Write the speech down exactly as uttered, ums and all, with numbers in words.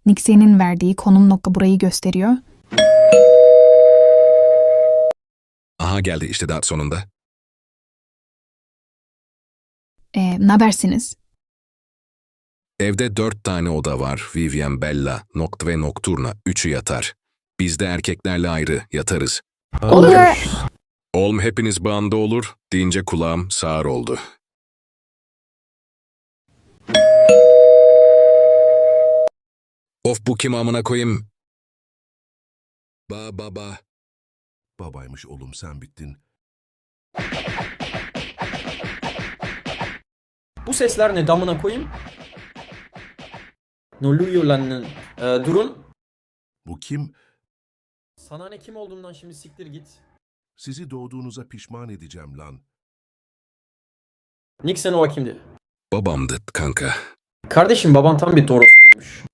Nixi'nin verdiği konum nokta burayı gösteriyor. Aha geldi işte daha sonunda. Ee, ne habersiniz? Evde dört tane oda var. Vivian, Bella, Noct ve Nocturna. Üçü yatar. Biz de erkeklerle ayrı yatarız. Olur. Olm hepiniz bağında olur deyince kulağım sağır oldu. Of bu kim amına koyayım? Ba baba. Babaymış oğlum sen bittin. Bu sesler ne damına koyayım? Ne oluyor lan? Ee, durun. Bu kim? Sana ne kim olduğundan şimdi siktir git. Sizi doğduğunuza pişman edeceğim lan. Nick sen o kimdi? Babamdı kanka. Kardeşim baban tam bir Doroth'ymuş.